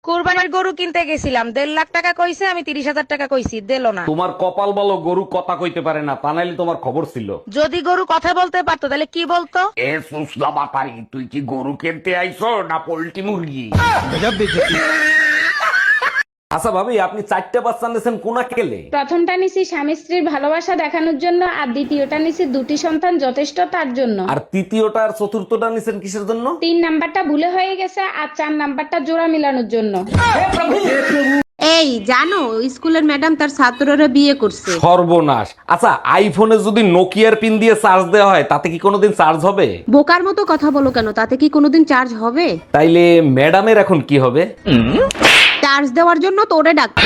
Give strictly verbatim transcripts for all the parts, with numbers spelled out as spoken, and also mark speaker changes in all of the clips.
Speaker 1: কুরবানির গরু কিনতে গেছিলাম, দেড় লাখ টাকা কইছে, আমি তিরিশ হাজার টাকা কইছি, দিল না।
Speaker 2: তোমার কপাল বলো গরু কথা কইতে পারে না, তা নাইলে তোমার খবর ছিল।
Speaker 1: যদি গরু কথা বলতে পারতো তাহলে কি বলতো?
Speaker 2: এ সুসলা বাপারি, তুই কি গরু কিনতে আইছো না পোল্ট্রি মুরগি? আচ্ছা ভাবি, আপনি চারটা বাচ্চা নিয়েছেন কোনা কেলে?
Speaker 3: প্রথমটা নিছি স্বামী স্ত্রীর ভালোবাসা দেখানোর জন্য, আর দ্বিতীয়টা নিছি দুটি সন্তান যথেষ্ট তার জন্য।
Speaker 2: আর তৃতীয়টা আর চতুর্থটা নিছেন কিসের জন্য?
Speaker 3: তিন নাম্বারটা ভুলে হয়ে গেছে, আর চার নাম্বারটা জোড়া মিলানোর জন্য।
Speaker 4: এই জানো, স্কুলের ম্যাডাম তার ছাত্ররা বিয়ে করছে।
Speaker 2: সর্বনাশ। আচ্ছা, আইফোনে যদি নোকিয়ার পিন দিয়ে চার্জ দেওয়া হয় তাতে কি কোনোদিন চার্জ হবে?
Speaker 4: বোকার মতো কথা বলো কেন? তাতে কি কোনোদিন চার্জ হবে?
Speaker 2: তাইলে ম্যাডামের এখন কি হবে?
Speaker 4: চার্জ দেওয়ার জন্য তোরে ডাকছে।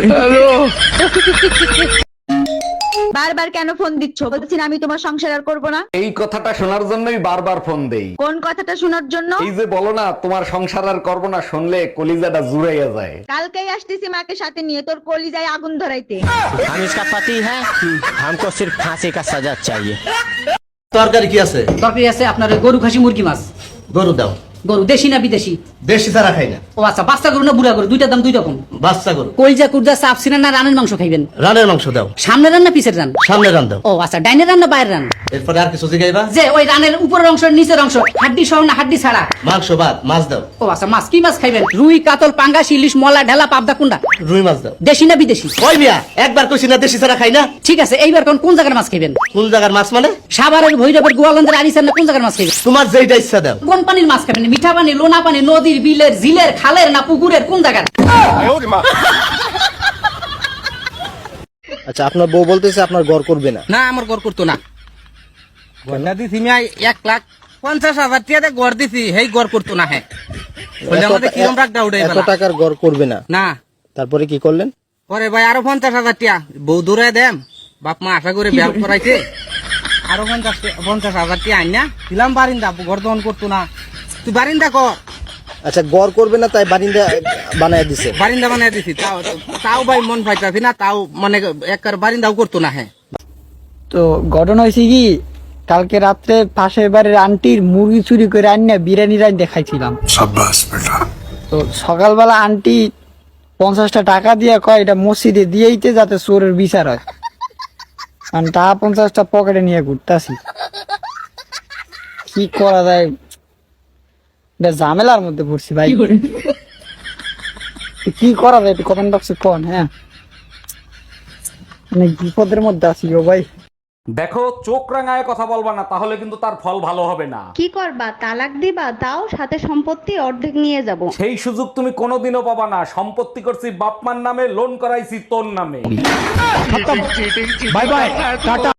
Speaker 5: বারবার কেন ফোন দিচ্ছ? বলছি না আমি তোমার সংসার আর করবো না।
Speaker 2: এই কথাটা শোনার জন্যই বারবার ফোন দেই।
Speaker 5: কোন কথাটা শোনার জন্য?
Speaker 2: এই যে বলো না তোমার সংসার আর করবো না, শুনলে কলিজাটা জুড়াইয়া যায়।
Speaker 5: কালকেই আসতেছি মাকে সাথে নিয়ে তোর কলিজায় আগুন ধরাইতে।
Speaker 6: हम इसका पति है, हमको सिर्फ फांसी का सजा चाहिए।
Speaker 7: তরকারি কি আছে?
Speaker 8: তরকারি আছে আপনার ওই গরু খাসি মুরগি মাছ।
Speaker 7: গরু দাও।
Speaker 8: গরু দেশি না বিদেশি?
Speaker 7: দেশি ছাড়া খাই না।
Speaker 8: ও আচ্ছা, বাচ্চা গরু না বুড়া গরু? দুইটার দাম দুই রকম।
Speaker 7: বাচ্চা গরু।
Speaker 8: কলজা কুরজা চাপ সিনা না রানের মাংস খাইবেন?
Speaker 7: রানের মাংস দাও।
Speaker 8: সামনে রান না পিছের রান?
Speaker 7: সামনে রান দাও।
Speaker 8: ও আচ্ছা, ডাইনের রান না বাইরের রান?
Speaker 7: এরপরে আর কিছু জিগাইবা?
Speaker 8: যে ওই রানের উপরের অংশ নিচের অংশ, হাড্ডি সহ না হাড্ডি ছাড়া?
Speaker 7: মাংস ভাত, মাছ দাও।
Speaker 8: ও আচ্ছা, মাছ কি মাছ খাইবেন? রুই কাতল পাঙ্গাস ইলিশ মলা ঢেলা পাবদা কুন্ডা?
Speaker 7: রুই মাছ দাও।
Speaker 8: দেশি না বিদেশি?
Speaker 7: ওই মিয়া, একবার কইছি না দেশি ছাড়া খাই না।
Speaker 8: ঠিক আছে, এইবার কোন কোন জায়গার মাছ খাইবেন?
Speaker 7: কোন জায়গার মাছ মানে?
Speaker 8: সাভারের ভৈরবের গোয়ালন্দের আরিসার না কোন জায়গার মাছ খাইবেন?
Speaker 7: তোমার যেইটা ইচ্ছা দাও।
Speaker 8: কোন পানির মাছ খাবেন? মিঠা পানি, লোনা পানি, নদীর, বিলের, ঝিলের, খালের না পুকুরের? কোন জায়গার?
Speaker 6: আচ্ছা, আপনার বউ বলতেছে আপনার ঘর করবে না।
Speaker 9: না, আমার গড় করতো না। গড়া দিছি আমি এক লাখ পঞ্চাশ হাজার টাকা গড় দিছি, হেই গড় করতো না। হ্যাঁ, বলে আমাদের কিরম রাখটা উঠে
Speaker 6: এত টাকার ঘর করবে না।
Speaker 9: না।
Speaker 6: তারপরে কি করলেন?
Speaker 9: পরে ভাই আরো পঞ্চাশ হাজার টাকা বউ দূরে দেম, বাপ মা আশা করে বিয়া করাইছে, আরো পঞ্চাশ পঞ্চাশ হাজার টাকা আইনা দিলাম বারিন্দা, ঘর দহন করতো না। তুই বারিন্দা কর।
Speaker 6: আচ্ছা, ঘর করবে না তাই বারিন্দা বানায় দিছে।
Speaker 9: বারিন্দা বানাই দিছি, তাও তাও ভাই মন পাইতাছি না, তাও মানে এক বারিন্দাও করতো না। হ্যাঁ,
Speaker 10: তো ঘটনা হয়েছে কি, কালকে রাত্রে পাশের বাড়ির আন্টির মুরগি চুরি করে আনিয়ে বিরিয়ানি রাইন দেখাইছিলাম। তো সকালবেলা আন্টি পঞ্চাশটা টাকা দিয়ে কয় এটা মসজিদে দিয়েইতে যাতে চোরের বিচার হয়। কারণ টাকা পঞ্চাশটা পকেটে নিয়ে ঘুরতাছি, কি করা যায়, এটা ঝামেলার মধ্যে পড়ছি ভাই। কি করা যায় একটু কমেন্ট বক্সে কোন। হ্যাঁ, অনেক বিপদের মধ্যে আছি গো ভাই।
Speaker 2: দেখো, চোখ রাঙায় কথা বলবা না, তাহলে কিন্তু তার ফল ভালো হবে না।
Speaker 5: কি করবা? তালাক দিবা? তাও সাথে সম্পত্তি অর্ধেক নিয়ে যাব।
Speaker 2: সেই সুযোগ তুমি কোনোদিনও পাবা না। সম্পত্তি করছি বাপমার নামে, লোন করাইছি তোর নামে। Bye bye, tata.